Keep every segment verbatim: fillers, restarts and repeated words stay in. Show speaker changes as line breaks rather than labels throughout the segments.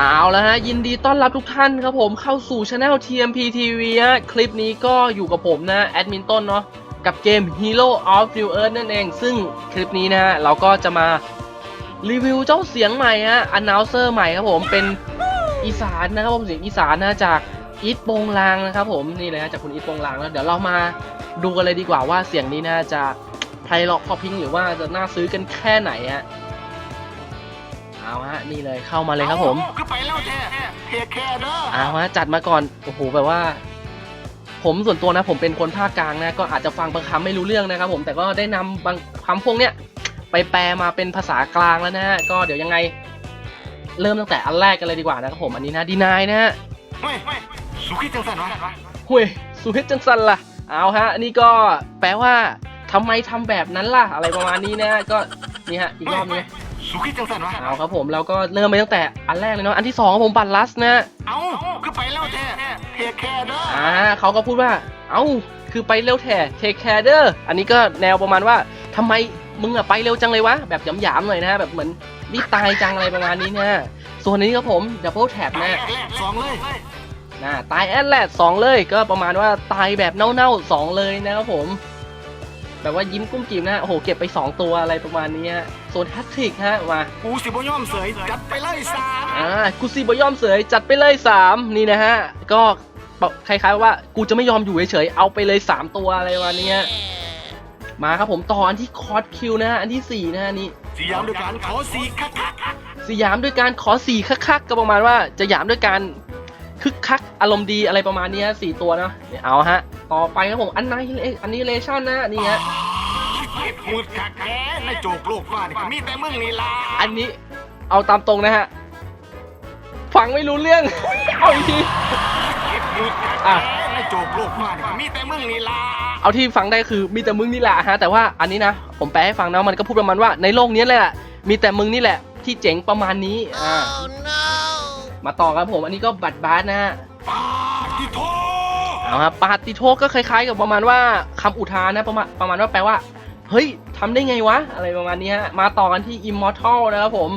เอาแล้วฮะยินดีต้อนรับทุกท่านครับผมเข้าสู่ Channel ที เอ็ม พี ที วี ฮะคลิปนี้ก็อยู่กับผมนะแอดมินต้นเนาะกับเกม Hero of New Earth นั่นเองซึ่งคลิปนี้นะฮะเราก็จะมารีวิวเจ้าเสียงใหม่ฮะ Announcer ใหม่ครับผมเป็นอีสานนะครับผมเสียงอีสานนะจากอีทโปงลางนะครับผมนี่เลยฮะจากคุณอีทโปงลางแล้วเดี๋ยวเรามาดูกันเลยดีกว่าว่าเสียงนี้นะจะไพเราะพอพิงหรือว่าจะน่าซื้อกันแค่ไหนฮะเอาฮะนี่เลยเข้ามาเลยครับผม
ก็ไปแล้วแท้เทแค่เด้อ
เอาฮะจัดมาก่อนโอ้โหแบบว่าผมส่วนตัวนะผมเป็นคนภาคกลางนะก็อาจจะฟังบางคำไม่รู้เรื่องนะครับผมแต่ก็ได้นำบางคำพวกเนี้ยไปแปลมาเป็นภาษากลางแล้วนะฮะก็เดี๋ยวยังไงเริ่มตั้งแต่อันแรกกันเลยดีกว่านะครับผมอันนี้นะดีนายนะฮะ
เฮ้ยสุขิจังสันวะ
เฮ้ยสุขิจังสันล่ะเอาฮะอันนี้ก็แปลว่าทำไมทำแบบนั้นล่ะอะไรประมาณนี้นะก็นี่ฮะอีกรอบนึง
สุขิจังสันวะ
เอาครับผมเราก็เริ่มไปตั้งแต่อันแรกเลยเนาะอันที่สองครับผมบัตรลัสนะ
เอาคือไปแล้วแท้เทแค่เด้อ
อ่าเขาก็พูดว่าเอ้าคือไปเร็วแท้เทคแคร์เด้ออันนี้ก็แนวประมาณว่าทำไมมึงอะไปเร็วจังเลยวะแบบหยามๆหน่อยนะแบบเหมือนรีบตายจังอะไรประมาณนี้นะส่วนนี้ครับผมดับเบิลแท็บนะ
สองเลย
นะตายแอดแลดสองเลยก็ประมาณว่าตายแบบเน่าๆสองเลยนะครับผมแบบว่ายิ้มกุ้มกิ่มนะโอ้โหเก็บไปสองตัวอะไรประมาณนี้ส่วนแฮตทริกฮะมา
กูสิบย่อมเสยจัดไปเลยสาม
อ่ากูสิบย่อมเสยจัดไปเลยสามนี่นะฮะก็คล้ายๆว่ากูจะไม่ยอมอยู่เฉยๆเอาไปเลยสามตัวอะไรประมาณนี้มาครับผมต่ออันที่คอร์สคิวนะฮะอันที่สี่นะฮะนี่
สยามด้วยการขอสี่คัก
สยามด้วยการขอสี่คักๆก็ประมาณว่าจะหยามด้วยการคึกคักอารมณ์ดีอะไรประมาณนี้สี่ตัวเนาะเอาฮะต่อไปครับผมอันนี้อันนี้เลชั่นนะนี่ฮะ
พูดคักแค่ในโจกโลกว่านี่มีแต่มึงนี่ล่ะ
อันนี้เอาตามตรงนะฮะฟังไม่รู้เรื่องเอาอีกที
อ่ะในโจกโลกว่านี่มีแต่มึงนี่ล่ะ
เอาที่ฟังได้คือมีแต่มึงนี่แหละฮะแต่ว่าอันนี้นะผมแปลให้ฟังนะมันก็พูดประมาณว่าในโลกนี้แหละมีแต่มึงนี่แหละที่เจ๋งประมาณนี้อ่า oh, no. มาต่อครับผมอันนี้ก็บัตรบาสนะฮะ
ปาติโท
เอาครับปาติโทก็คล้ายๆกับประมาณว่าคำอุทานนะประมาณประมาณว่าแปลว่าเฮ้ยทำได้ไงวะอะไรประมาณนี้ฮะมาต่อกันที่ Immortal นะครับผม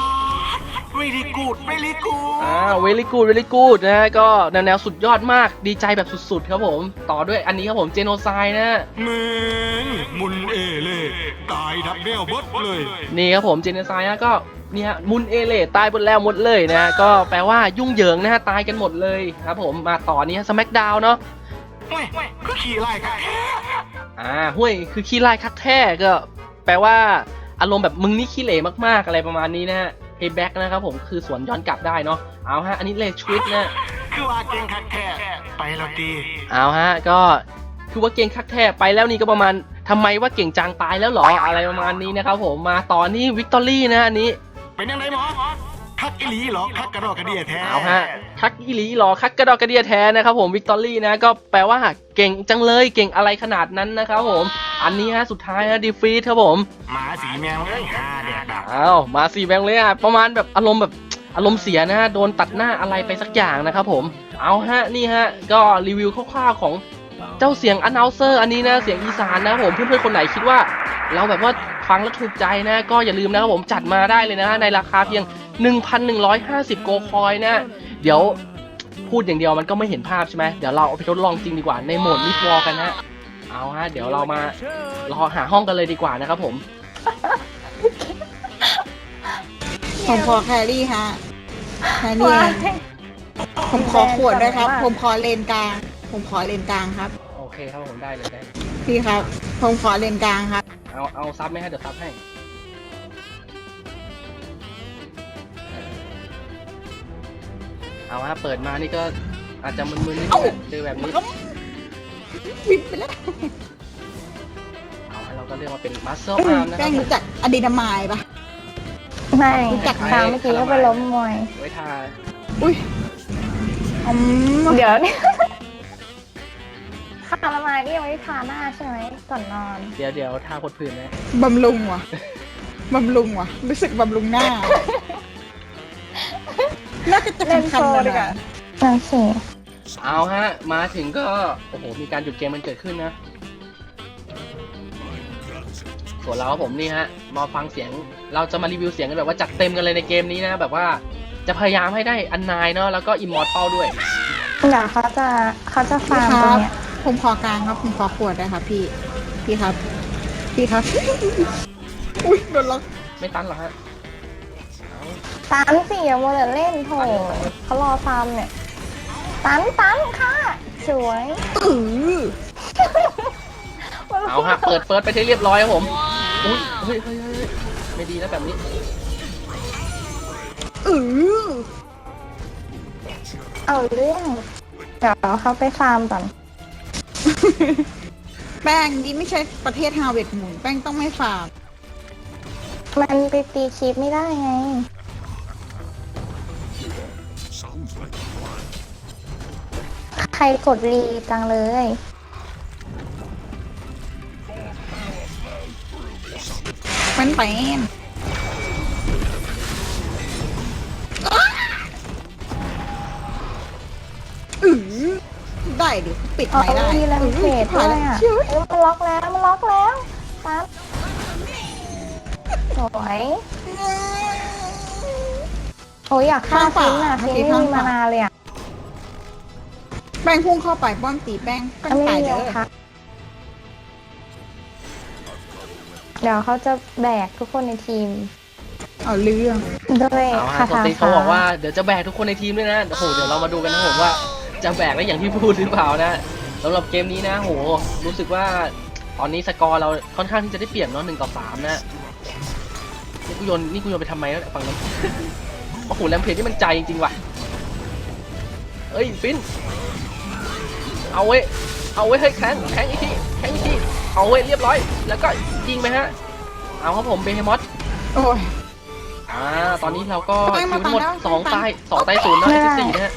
very good very good
อ่า very good very good นะฮะก็แนวแนวสุดยอดมากดีใจแบบสุดๆครับผมต่อด้วยอันนี้ครับผม Genocide นะ
มึงมุนเอเล่ตายดับแนวบดเลย
นี่ครับผม Genocide นะก็นี่ฮะมุนเอเล่ตายหมดแล้วหมดเลยนะก็แปลว่ายุ่งเหยิงนะฮะตายกันหมดเลยครับผมมาต่อนี้ Smackdown เนาะ
เฮ้ยคือขี้ไล่คักแท้
อ่าห้วยคือขี้ไล่คักแท้ก็แปลว่าอารมณ์แบบมึงนี่ขี้เหร่มากๆอะไรประมาณนี้นะฮะPayback นะครับผมคือสวนย้อนกลับได้เนาะเอาฮะอันนี้เลชวิตนะ
คือว่าเก่งคักแท้ไปแล้วดี
เอาฮะก็คือว่าเก่งคักแท้ไปแล้วนี่ก็ประมาณทำไมว่าเก่งจังตายแล้วหรออะไรประมาณนี้นะครับผมมาต่อนี่วิกตอรี่นะอันนี้
เป็นยังไงหมอคักอีหลีหรอคักกระดอกกระเดียแท้
เอาฮะคักอีหลีหรอคักกระดอกกระเดียแท้นะครับผมวิกตอรี่นะก็แปลว่าเก่งจังเลยเก่งอะไรขนาดนั้นนะครับผมอันนี้ฮะสุดท้ายฮะดีฟีทครับผม
หมาสีแมวเลยฮาแดกดับ
อ้าวมาสีแมวเลยอ่ะประมาณแบบอารมณ์แบบอารมณ์เสียนะฮะโดนตัดหน้าอะไรไปสักอย่างนะครับผมเอาฮะนี่ฮะก็รีวิวคร่าวๆของเจ้าเสียง Announcer อันนี้นะเสียงอีสานนะผมเพื่อนๆคนไหนคิดว่าเราแบบว่าฟังแล้วถูกใจนะก็อย่าลืมนะครับผมจัดมาได้เลยนะในราคาเพียง หนึ่งพันหนึ่งร้อยห้าสิบ โกคอยนะเดี๋ยวพูดอย่างเดียวมันก็ไม่เห็นภาพใช่ไหมเดี๋ยวเราเอาไปทดลองจริงดีกว่าในโหมดมิดวอลกันนะเอาฮะเดี๋ยวเรามารอหาห้องกันเลยดีกว่านะครับผม
ผมขอแครี่ฮะแครี่ผมขอขวดด้วยครับผมขอเลนกลางผมขอเลนกลางครับ
โอเคครับผมได้เลยได้
พี่ครับผมขอเลนกลางครับ
เอาเอาซับไหมฮะเดี๋ยวซับให้เอาฮะเปิดมานี่ก็อาจจะมึนๆนิดนึงเจอแบบนี้
วิบไปแล้ว
เอาให้เราก็เรียกว่าเป็นมัสเซิลอาร์มนะครับ
แป้งรู้จักอะดรีนาไมด์ปะ
ไม่รู้จักทางเมื่อกี้ก็ไปล้มมวย
ไว้ทา
อุ้ย
เดี๋ยวนี่คาราไมนี่ยังไม่ทาหน้าใช่ไหมก่อนนอน
เดี๋ยวเดี๋ยวทาพดผื่นไหม
บำรุงว่ะบำรุงว่ะรู้สึกบำรุงหน้าน่าจะจะคันๆเลยอ่ะ
โอเค
เอาฮะมาถึงก็โอ้โหมีการหยุดเกมมันเกิดขึ้นนะส่วนเราผมนี่ฮะมาฟังเสียงเราจะมารีวิวเสียงกันแบบว่าจัดเต็มกันเลยในเกมนี้นะแบบว่าจะพยายามให้ได้อันนายเนาะแล้วก็อิมมอร์ทัลด้วย
เดี๋ยวเขาจะเขาจะ
พี่
ฟาร์ม
ค
ตร
รั
ง
บ
เนี้ย
ผมขอกลางครับ ผมขอขวดได้ครับพี่ พี่ครับ พี่ครับ อุ้ยโดนล็อก
ไม่ตันเหรอฮะ
ตันสิอย่ามัวแต่เล่นโถเขารอฟาร์มเนี่ยตันตันค่ะสวย
เออ
เอาฮะ เปิดเฟิร์สไปที่เรียบร้อยครับผม อุ้ยเฮ้ยเฮ้ยเฮ้ยไม่ดีแล้วแบบนี้
เออ
เอาเรื่องเดี๋ยวเขาไปฟาร์มก่อน
แป้งนี่ไม่ใช่ประเทศฮาเวิร์ดหมุน แป้งต้องไม่ฝาก
มันไปตีคลิปไม่ได้ไง ใครกดรีจังเลย
มันแป้งอือได้ดิ ปิด
เอา
ไม่ได้
รีแลมเพจด้วยอ่ะ
เชื่อ
เอ้ยมันล็อกแล้วมันล็อกแล้วตันสวยโอ้ยอยากฆ่าฟินอ่ะฟินไม่มีมานานเลยอ่ะ
แป้งพุ่งเข้าไปป้อมตีแป้งแป้ง
ไม่
ตาย
มี
เด้
โอ
อ
คะเดี๋ยวเขาจะแบกทุกคนในทีม
เอาเรื่อง
ด้วย
เอาฮะ
คา
โซ
ถา
ติเขาบอกว่าเดี๋ยวจะแบกทุกคนในทีมด้วยนะ โอ้โห เดี๋ยวเรามาดูกันนะผมว่าจะแบกได้อย่างที่พูดหรือเปล่านะสำหรับเกมนี้นะโห รู้สึกว่าตอนนี้สกอร์เราค่อนข้างที่จะได้เปรียบเนาะหนึ่งต่อสามนะนี่กูโยนนี่กูโยนไปทำไมแล้วฝั่งนั้น โอ้โหแรมเพจนี่มันใจจริงๆว่ะเอ้ยฟิน เอาเว้ย เอาเว้ยเฮ้ยแข็งแข็งอีกทีแข็งอีกทีเอาเว้ยเรียบร้อย แล้วก็ยิงไปฮะ เอาครับผมเบเฮมอส
โอ้ย
อ่า ตอนนี้เราก็
ไป
คิว
มา
ทั้งหมด
แล้ว
สอง
ไป
ตายสองตายศูนย์นะที่สี่นะฮะ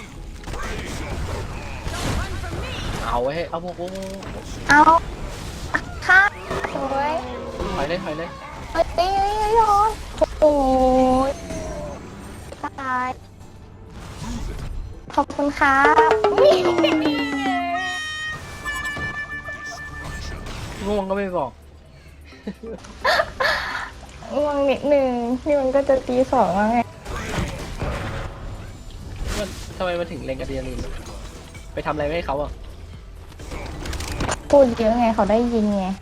เอาไว้ให้เอาโอ้โห
เอาค่ะสวย
ถอยเลยถอยเลย
เฮ้ยเฮ้ยเฮ้ยย้อนโอ้ยตายขอบคุณครับ
ง่วงก็ไม่บอก
ง่วงนิดนึงนี่มันก็จะตีสองแล้วไง
มันทำไมมาถึงเลงกับเดียรินไปทำอะไรไม่ให้เขาอ่ะ
พูดเยอะไงเขาได้ยินไง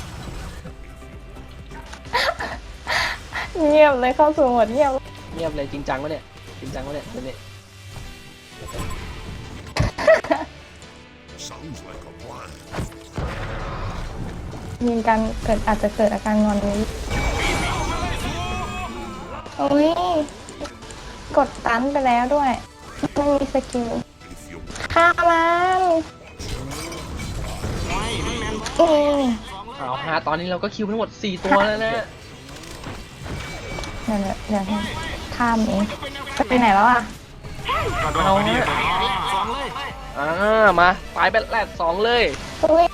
เงียบเลยเข้าสู่โหมดเงียบ
เงียบเลยจริงจังวะเนี่ยจริงจังวะเนี่ยเดี๋ยวนี้
มีการเกิดอาจจะเกิดอาการงอนนี้โอ้ยกดตันไปแล้วด้วยไม่มีสกิลฆ่ามันอืม
เอาฮะตอนนี้เราก็คิวทั้งหมดสี่ตัวแล้วนะ
เดี๋ยวเดี๋ยวข้ามเองจะไปไหนแล้วอ่ะ
เอาฮะอ่ามาไปแบทแลดสองเลย
อุ้ย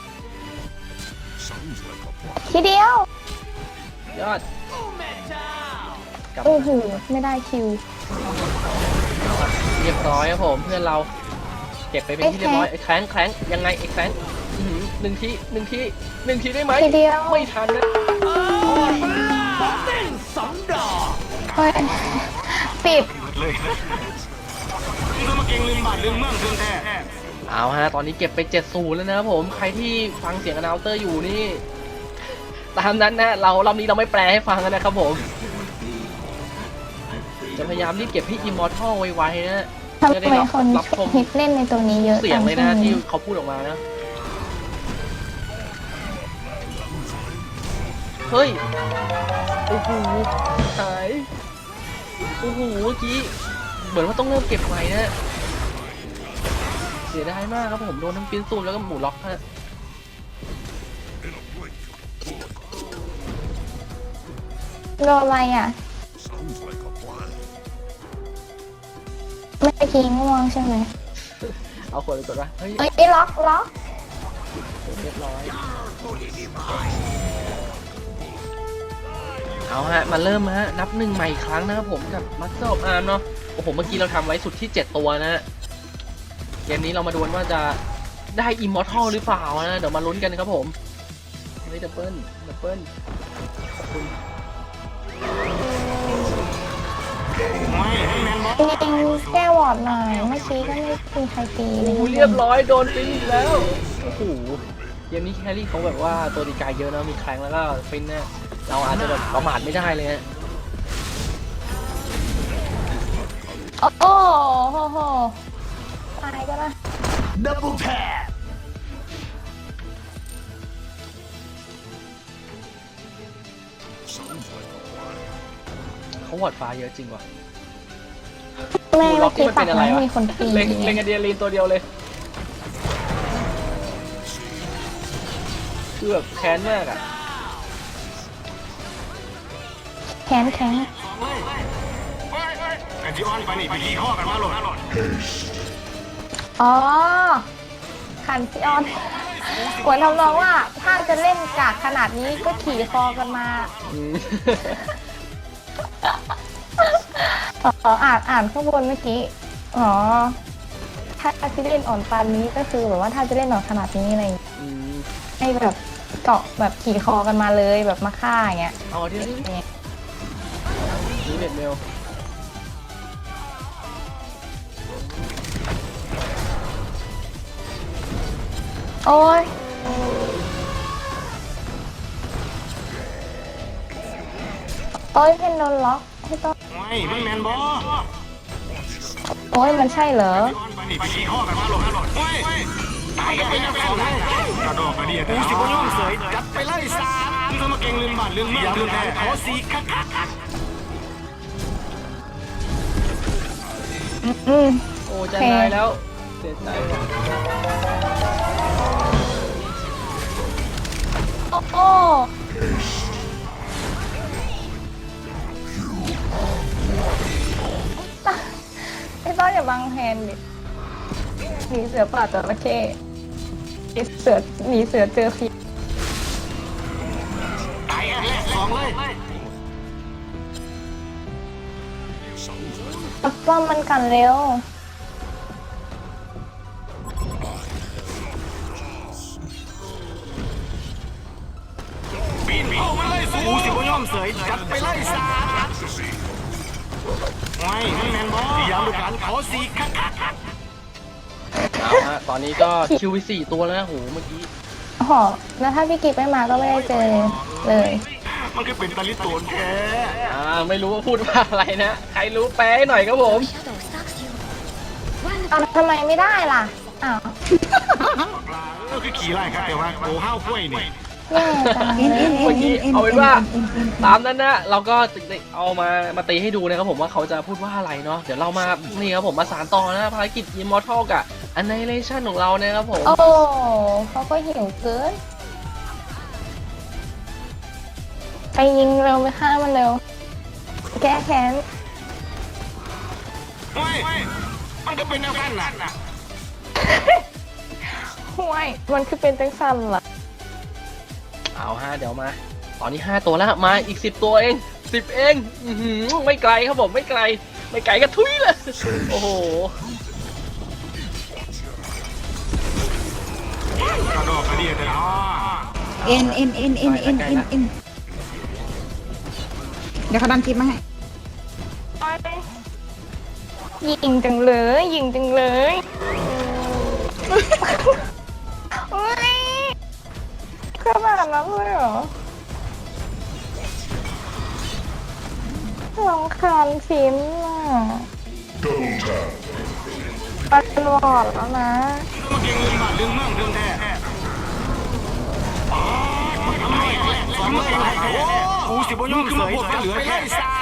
ทีเดียวย
อดกลับ
โอ้โหไม่ได้คิว
เรียบร้อยครับผมเพื่อนเราเก็บไปเป็นที่เรียบร้อยไอ้แครงแครงยังไงไอ้แครงอื้อหือหนึ่งทีหนึ่งทีหนึ่งทีได้ไหม
ทีเดียว
ไม่ทันนะ
เฮ้ยปิด
เลยนี่ก็มาเก่งลืมบาทลืมเมืองลืมแท้
เอาฮะตอนนี้เก็บไปเจ็ดศูนย์แล้วนะครับผมใครที่ฟังเสียงอนาลเตอร์อยู่นี่ตามนั้นนะเรารอบนี้เราไม่แปลให้ฟังนะครับผมจะพยายามรีบเก็บให้อิมมอร์ทัลไวๆนะ
ทำ
จะได้
ไม
รับ
คน
รับชม
ฮิตเล่นในตัวนี้เยอะ
เสียงเลยนะ
จั
ที่
ช่วง
เขาพูดออกมานะเฮ้ยโอ้โหหายโอ้โหเมื่อกี้เหมือนว่าต้องเริ่มเก็บใหม่นะเสียดายมากครับผมโดนทั้งปินซูมแล้วก็หมูล็อกฮะ
รออะไรอ่ะไม่ได้กินง่วงใช่ไหม
เอาคนไปกดว่าเฮ้ย
เอ้ยล็อกล็อก
เรียบร้อยเอาฮะมาเริ่มฮะนับหนึ่งใหม่อีกครั้งนะครับผมกับมัสเซอร์อาร์มเนาะโอ้โหเมื่อกี้เราทำไว้สุดที่เจ็ดตัวนะฮะเกมนี้เรามาดูกันว่าจะได้อิมมอร์ทัลหรือเปล่านะเดี๋ยวมาลุ้นกันครับผมเฮ้ยดับเบิลดับเบิลขอบคุณ
ไม่ให้แมนบอ
จริงๆแก้วอร์ดหน่อยเมื่อกี้ก็ไม่มีใครตีเล
โอ้
ย
โหเรียบร้อยโดนฟินอีกแล้วโอ้โหเกมนี้แครี่เขาแบบว่าตัวดีกายเยอะนะมีแคลงแล้วก็ฟินเนี่ยเราอาจจะแบบประมาทไม่ได้เลยฮะ
โอ้โหโหโหตายก็ได้
ดับเบิลแทบ
เขาหวอดฟ้าเยอะจริงว่ะ
แม่เมื่อกี้ตัดไม่มีคนตี
เล็งเล็งอะเดียรีนตัวเดียวเลยคือแบบแค้นมากอ่ะ
แข็งแข็ง
กันที่อ้อนไปนี่ไปขี่ข้อกันมาโหลด
อ๋อขันพี่ออนเหมือนทำนองว่าถ้าจะเล่นกากขนาดนี้ก็ขี่คอกันมา
อืม
อ๋ออ่านอ่านข้างบนเมื่อกี้อ๋อถ้าจะเล่นอ่อนปานนี้ก็คือแบบว่าถ้าจะเล่นอ่อนขนาดนี้อะไรอย่างเงี้ย
อืม
ให้แบบเกาะแบบขี่คอกันมาเลยแบบมาฆ่าอย่างเงี้ย
เอาที่นี่นี่เน็ตเมล
โอ้ยโอ้ยเพนโดนล็อกให้ต้อง
ไม่ไม่แมนบอ
โอ้ยมันใช่เหรอ
อ้อนไปนี่ไปขี่ข้อกันมาโหลดไม่ตายกันไปแล้วสองเลยกระโดดกระเดียดกูสิบย่อมเสยจัดไปเลยสามมึงต้องมาเก่งลืมบาดลืมเมืองลืมแท้ขอสีคักคักคัก
อืม
โอ้จะตายแล้วเสียใจว่ะ
โอ้โหไอ้ต้อนอย่าบังแฮนดิหนีเสือป่าจระเข้หนีเสือหนีเสือเจอผี
ตายกันแล้วสองเลย
ตับป้อมมันกันเร็ว
ปีนปีนมาเลยกูสิบย่อมเสยจัดไปเลยสามไม่ไม่แมนบอพยายามดูกันขอสีคักคักคัก
เอาฮะตอนนี้ก็คิวไปสี่ตัวแล้วนะโหเมื่อกี้
โอ้โหแล้วถ้าพี่กิ๊กไม่มาก็ไม่ได้เจอเลย
มันคือเป็นตะลิโตนแท้
อ่าไม่รู้ว่าพูดว่าอะไรนะใครรู้แปลให้หน่อยครับผม
เอาทำไมไม่ได้ล่ะ อ้าว
ก็คือขี่ไล่ครับแต่ว่าโอ้ห้าวกล้วยนี่
แย่จัง
เอ็น
เล
เอ็
ย
นเอ็
เมื่อน กี้
เอ็น
เอาเป็นว่า
เอ็นเอ็น
ตามนั้นนะเราก็เอามามาตีให้ดูนะครับผมว่าเขาจะพูดว่าอะไรเนาะเดี๋ยวเรามานี่ครับผมมาสานต่อนะภารกิจ Immortal กับ Annihilation ของเรานะครับผม
โอ้เขาก็หิวเกิน ไปยิงเร็วไปฆ่ามันเร็ว แก้แค้น
ไม่มันก็เป็นแนวกันน่ะ
ห่วย มันคือเป็นจังสันเหรอ
เอาฮะเดี๋ยวมา ตอนนี้ห้าตัวแล้วมาอีกสิบตัวเองสิบเองอื้อหือไม่ไกลครับผมไม่ไกล ไม่ไกลก็ทุยเลยโอ้โห
กระโดดกระเดียดเลยอ๋อ
เอ็นเอ็นเอ็นเอ็นเอ็นเอ็นเอ็นเดี๋ยวเขาดันคลิปมาให้
ยิงจังเลย ยิงจังเลยโอ้ยขนาดนั้นเลยเหรอลองคานฟินอ่ะปัดวอดแล้วนะ
มาเก่งลืมบาดลืมเมืองลืมแท้สองเลยกูสิบย่อมเสยจะเหลือแค่สาม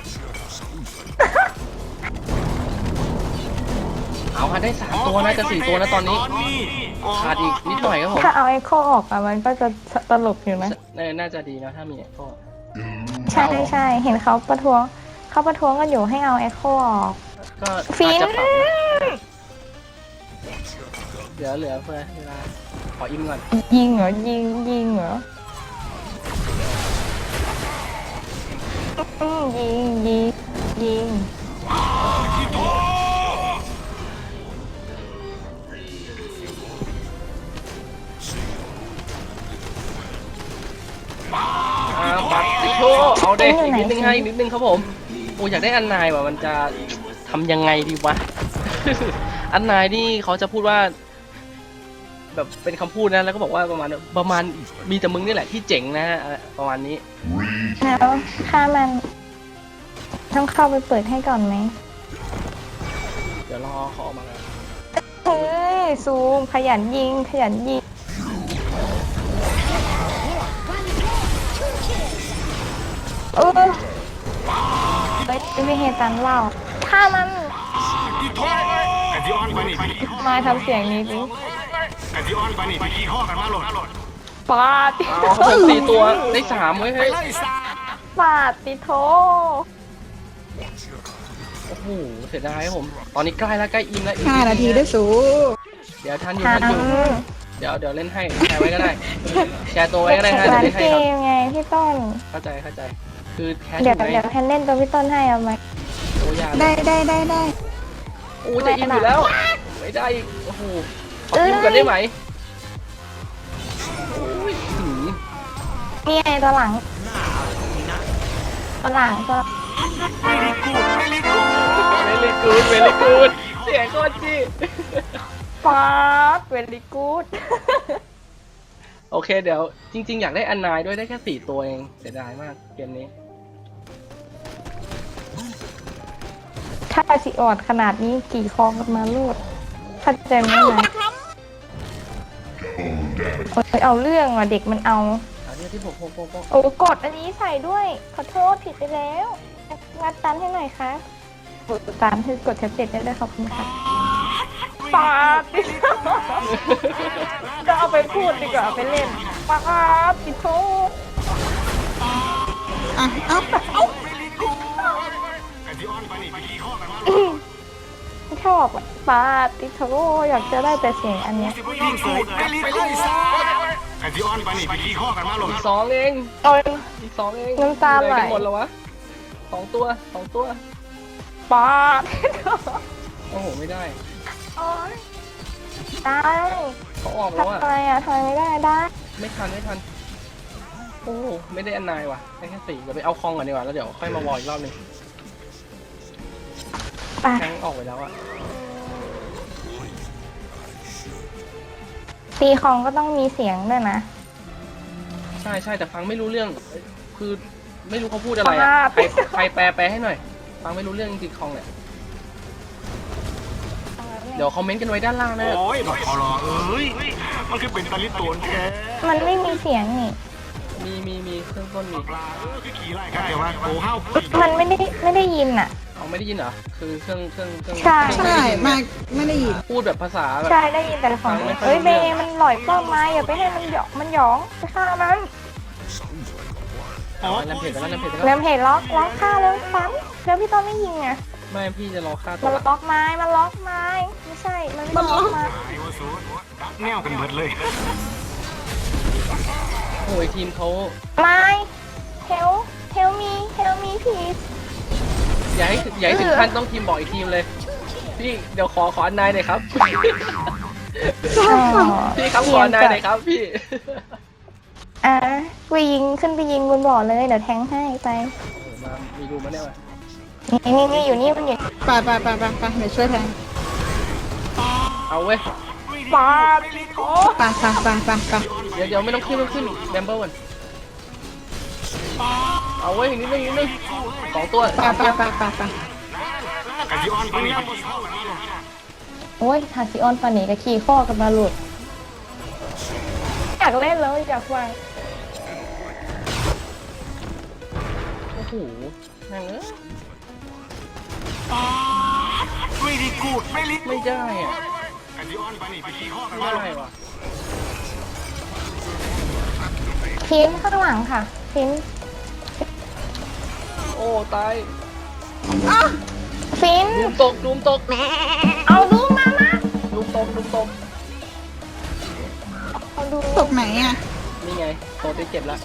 เอาฮะได้สามตัวนะจะสี่ตัวนะตอนนี้ขาดอีกนิดหน่อยครับผม
ถ้าเอาไอโคออกอะมันก็จะตลกอยู่นะ
น่าน่าจะดีนะถ้ามีก็
ใช่ใช่เห็นเขาประท้วงเขาประท้วงกันอยู่ให้เอาไอโคออก
ก็
ฟิ
อาจ
น
จะปรับนะเหลือเหลือเพื่อเวลาขออิ่มก่อน
ยิงเหรอ ยิง ยิงเหรออืมยิง ยิง ยิง
อ่าปัดติโชเอาเด็กอีกนิดนึงให้อีกนิดนึงครับผมโอ้อยากได้อันนายว่ะมันจะทำยังไงดีวะ อันนายนี่เขาจะพูดว่า แบบเป็นคำพูดนะแล้วก็บอกว่าประมาณประมาณมีแต่มึงนี่แหละที่เจ๋งนะอะไรประมาณนี้
แล้วค่ามันต้องเข้าไปเปิดให้ก่อนไหม
เดี๋ยวรอเขาออกมาแล้ว
เฮ้ยซูมขยันยิงขยันยิงเออเฮ้ยไม่เฮตันเล่าถ้ามัน
ที่โทษกะทิออนไปนี่พี่ขี้
มาทำเสียงนี้ดิ
กะทิออนไปนี่พี่ขี้ข้อกันมาโหลด
ปาติ
เอาครับผมตีตัวได้สามเว้ย
ไป
เฮ้ย
ไล่ซา
ปาติโท
โอ้โหเสียดายครับผม ตอนนี้ใกล้แล้วใกล้อินแล้วอีก
ห้านาทีด้วยสู
เดี๋ยวทันอยู่
ทั
ทันอยู่
น
เดี๋ยวเดี๋ยวเล่นให้แชร์ไว้ก็ได้แชร์ตัวไว้ก็ได้ฮะเดี๋ยว
ร้าน
เล่นให้
เก
ครับ
มไงพี่ต้น
เข้าใจเข้าใจ คือแคชอ
เดี๋ยว
ยู่ไง
เดี๋ยวแพนเล่นตัวพี่ต้นให้เอาไหม
โอ้ยา
ได้ได้ได้ได้
โอ้จะอินอยู่แล้ว ไม่ได้อีกโอ้โหขอพิมพ์กันได้ไหมโอ้ยหืม
นี่ไงตัวหลังตัวหลังตัว
ไม่รีกูดไม่รีกูด
เวลิกูดเวลิกูดเสียงโคตรจี้
ปาดเวลี่กูด
โอเคเดี๋ยวจริง ๆ อยากได้อันนายด้วยได้แค่สี่ตัวเองเสียดายมากเกมนี้
ถ้าสิออดขนาดนี้กี่คองกันมาลูดเข้าใจไหมนะโอ้ยเอาเรื่องว่ะเด็กมันเอา
อันนี้ที่ผมผมผมผม
โอ้กดอันนี้ใส่ด้วย ขอโทษผิดไปแล้วงัดตันให้หน่อยค่ะกดตันให้กดแท็บเล็ตได้ด้วยขอบคุณค่ะปาดจะเอาไปพูดดีกว่าเอาไปเล่นปาดปิดโทษ
อ่ะเอ้าเอ้า
กะทิออนไปนี่พี่ขี้ข้อกันมาโหลด
ชอบอะปาดปิดโทษอยากจะได้แต่เสียงอันเนี้ย
ไม่รีกูดไม่รีไปไล่ซากะทิออนไปนี่พี่ขี้ข้อกันมาโหลด
อีกสองเอง
โอ้ย
อีกสองเอง
น้ำตาไหล
เอนกันหมดแล้ววะสองตัวสองตัว
ปาด
โอ้โหไม่ได้
โอ้ยได้
เขาออกแล้ว
ทำ
อะ
ไมอะทำไมไม่ได้ได้
ไม่ทันไม่ทันโอ้โหไม่ได้อันนายว่ะได้แค่สี่เดี๋ยวไปเอาคองก่อนดีกว่าแล้วเดี๋ยวค่อยมาวอลอีกรอบหนึง
ไป
แทงออกไปแล้วอะ
ตีของก็ต้องมีเสียงด้วยนะ
ใช่ใช่แต่ฟังไม่รู้เรื่องคือไม่รู้เขาพูดอะไรอะ
อ่า
ใครใครแปลแปลให้หน่อย ฟังไม่รู้เรื่องจริงๆคองเนี่ยเดี๋ยวคอมเมนต์กันไว้ด้านล่างนะ
โอ้ยบอกขอรอเอ้ยมันคือเป็นตะลิโตนแท้
มันไม่มีเสียงนี่
มีมีมีเครื่องต้นมี
ปลาเออคือขี่ไล่กันแต่ว่าโอ้ห้าว
มันไม่ได้ไม่ได้ยินอะ
เอาไม่ได้ยินเหรอคือเครื่องเครื่องเครื่อง
ใช่
เครื่อง
ใช่
ไม่ได้ยิน
มาไม่ได้ยิน
พูดแบบภาษาแบบ
ใช่ได้ยินแต่ของ
ฟังไม่ค่อย
เอ้ย
รู้
เบ
เรื่อง
มันหลอยป้อมไม้อย่าไปให้มันหยองมันหยองไปฆ่ามัน
อ๋อ
แลมเพจไปแล้วแลมเพจไป
เริ่
แล้ว
มเห็นล็อกล็อกฆ่าแล้วซ้ำแล้วพี่ต้นไม่ยิงอะ
ไม่พี่จะรอฆ่าตั
มัน
ว
ล็อกไม้มันล็อกไม้ไม่ใช่ มันไม่ล็อกไม้
ไอ้วะสูดักแนวกันเบิดเลย
โอ้ยทีมเขา
ไม้ help help me help me please
อย่าให้อย่าให้ถึงขั้นต้องทีมบอกอีกทีมเลย พี่เดี๋ยวขอขออันนายหน่อยครับ
อ๋อ
พี่ครับขออันนายหน่อยครับพี่
อ่ะไปยิงขึ้นไปยิงบนบ่อเลยเดี๋ยวแทงให้ไป
โอ้มามีรูมาเนี่ยมา
นี่นี่นี่อยู่นี่มันอยู่
ไปไปไปไปไปเดี๋ยวช่วยแทง
เอาเว้ย
ปาดโอ้
ไปไปไปไปไป
เดี๋ยวเดี๋ยวไม่ต้องขึ้นไม่ต้องขึ้นแบมเบิลก่อนเอาเว้ยนิดนึงนิดนึงสองตัว
ไปไปไปไปไป
กะทิออนไปนี่พี่ขี้ข้อกันมาโหลด
โอ้ยทาซิออนปานีกับขี่ข้อกันมาหลุดอยากเล่นแล้วอยากฟัง
โอ้โหแม่งเอ้ย
ไม่รีกูดไม่รี
ไม่ได้อ่ะ
กะทิออนไปนี่พี่ขี้ข้อกัน
ไม่
มาโหล
ได้
ด
ว่ะ
ทีมข้างหลังค่ะทีม
โอ้ตาย
ฟิน
ลูมตกลูมตก
เอาดูมามา
ลูมตกลูมตก
เอาดู
ตกไหนอ่ะ
นี่ไงโตได้เจ็บแล้ว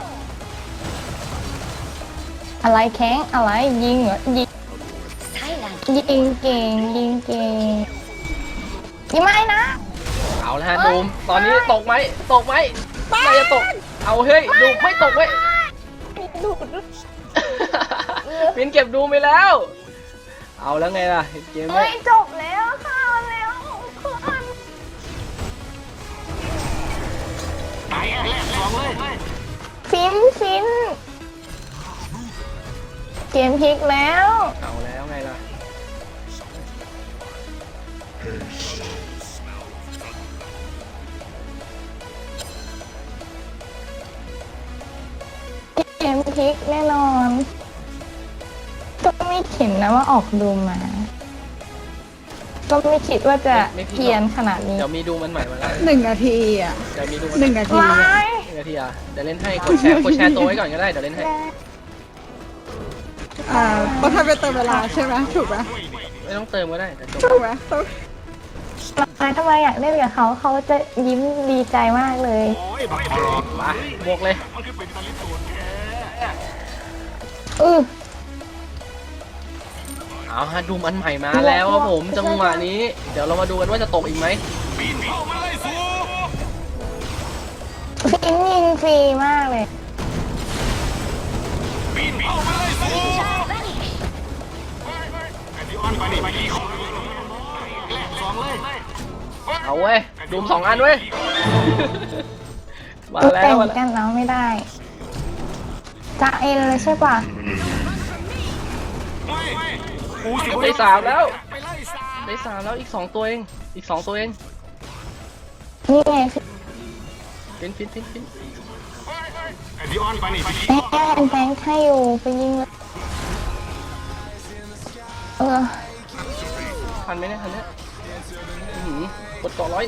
อะไรแข้งอะไรยิงเหรอยิงยิงเก่งยิงเก่งยิงไม่นะ
เอาละฮะดูมตอนนี้ตกไหมตกไหมน่าจะตกเอาเฮ้ยดูไม่ตกเว้ย
ดูด
มินเก็บดูไปแล้ว เอาแล้วไงล่ะเกม
เฮ้
นี้
ยจบแล้วค่ะแล้วเพื่อน
ตายแรกสองเลย
ฟินฟินเกมพลิกแล้ว
เอาแล้วไงล่ะ
เกมพลิกแน่นอนก็ไม่เห็นนะว่าออกดูมา ก็ไม่คิดว่าจะ
ไม่ไม่ผิดหรอก
เพียนขนาดนี้
เดี๋ยวมีดูมันใหม่มาแล้ว
หนึ่งนาทีอ่ะ
เดี๋ยวมีดูมัน
หนึ่งนาที
ไม่
อะ
หนึ่งนาทีอ่ะเดี๋ยวเล่นให้กดแชร์กดแชร์ตัวไว้ก่อนก็ได้เดี๋ยวเล่นให้
อ่าต้องทำเป็นเติมเวลาใช่ไหมถูกไหม
ไม่ต้องเติมก็ได้แต่จบ
ถูกไหมต้อง
ทำไมทำไมอยากเล่นกับเขาเขาจะยิ้มดีใจมากเลย
โอ้ยบักพลอก
มาบวกเลย
มันคือเป็นตะลิตูนแค่
อือ
เอาฮะดูมันใหม่มาแล้วครับผมจังหวะนี้ เดี๋ยวเรามาดูกันว่าจะตกอีกไหม
ปีนเข้ามาเลยสู
ฟินยิงฟรีมากเลย
ปีนเข้ามาเลยสูไอ้ที่อ้อนไปนี่ไปนี่แรกสองเลย
เอาเว้ยดูมสองอันเว้ย มาแล้
แต่
ว
ง
มาแล้ว
กันแล้วไม่ได้จะเอ็นเลยใช่ป่ะ
กูสิ
ได้สามแล้ว
ไปไล่สาม
ได้สามแล้วอีกสองตัวเองอีกสองตัวเอง
นี่ไง
ฟินฟินฟินฟิน
ไอ้ที่อ้อนไปนี่ไปนี่
แม่แบงค์ให้อยู่ไปยิงเลยเออ
ทันไหมเนี่ยทันเนี่ยอื้อหือกดเกาะร้อย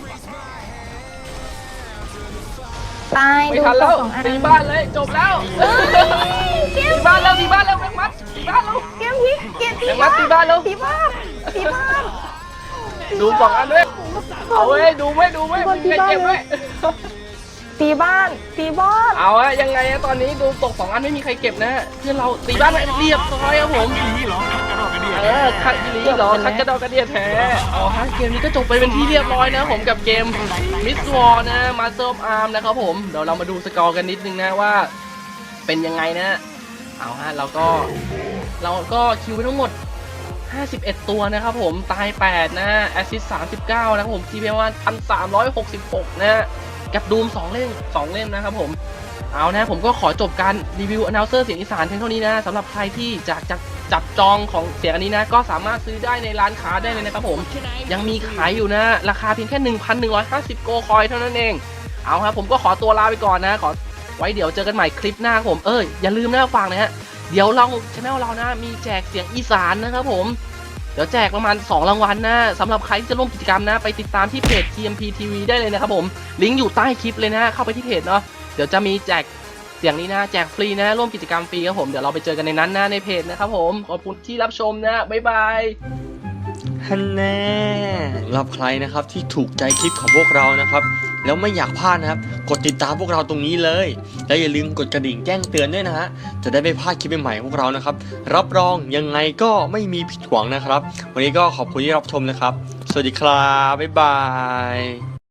ตาย
ไม่
ดู
ทัน
ตั
แล้ว ว
สองอัน
ตีบ้านเลยจบแล้วตีบ้านแล้วตีบ้านแล้วแม็กมัดตีบ้านแล้ว
เกมพลิกเกมพลิ
แม็
ก
กมัดตีบ้านแล้ว
ตีบ้านตีบ้าน
ดูสองอันด้วยเอาเว้ยดูไว้ดูไว้ไม่มีใครเก็บไว้
ตีบ้านตีบ้าน
เอาอะยังไงอะตอนนี้ดูตกสองอันไม่มีใครเก็บนะเพื่อนเราตีบ้านไปเรียบร้อยครับผม
นี่เหรอกระโดดกระเดีย
เออคัดอีลีเหรอคัดกระดอกกระเดียแท้เอาฮะเกมนี้ก็จบไปเป็นที่เรียบร้อยนะผมกับเกมมิสวอร์นะมาสเตอร์ออฟอาร์มนะครับผมเดี๋ยวเรามาดูสกอร์กันนิดนึงนะว่าเป็นยังไงนะเอาฮะเราก็เราก็คิวไปทั้งหมดห้าสิบเอ็ดตัวนะครับผมตายแปดนะแอสซิสต์สามสิบเก้านะครับผมทีพีประมาณพันสามร้อยหกสิบหกนะกับดูมสองเล่มสองเล่มนะครับผมเอานะผมก็ขอจบการรีวิว announcer เสียงอีสานเพียงเท่านี้นะสำหรับใครที่อยากจะจับจองของเสียงอันนี้นะก็สามารถซื้อได้ในร้านค้าได้เลยนะครับผมยังมีขายอยู่นะราคาเพียงแค่ หนึ่งพันหนึ่งร้อยห้าสิบ โกคอยเท่านั้นเองเอาครับผมก็ขอตัวลาไปก่อนนะขอไว้เดี๋ยวเจอกันใหม่คลิปหน้าครับผมเอออย่าลืมนะฟังนะฮะเดี๋ยวเราช anel เรานะมีแจกเสียงอีสานนะครับผมเดี๋ยวแจกประมาณสองรางวัลนะสำหรับใครที่จะร่วมกิจกรรมนะไปติดตามที่เพจ ที เอ็ม พี ที วี ได้เลยนะครับผมลิงก์อยู่ใต้คลิปเลยนะเข้าไปที่เพจเนาะเดี๋ยวจะมีแจกเสียงนี้นะแจกฟรีนะร่วมกิจกรรมฟรีครับผมเดี๋ยวเราไปเจอกันในนั้นนะในเพจนะครับผมขอบคุณที่รับชมนะบ๊ายบาย
ฮันแน่สำหรับใครนะครับที่ถูกใจคลิปของพวกเรานะครับแล้วไม่อยากพลาดนะครับกดติดตามพวกเราตรงนี้เลยและอย่าลืมกดกระดิ่งแจ้งเตือนด้วยนะฮะจะได้ไม่พลาดคลิปใหม่ๆของพวกเรานะครับรับรองยังไงก็ไม่มีผิดหวังนะครับวันนี้ก็ขอบคุณที่รับชมนะครับสวัสดีครับบ๊ายบาย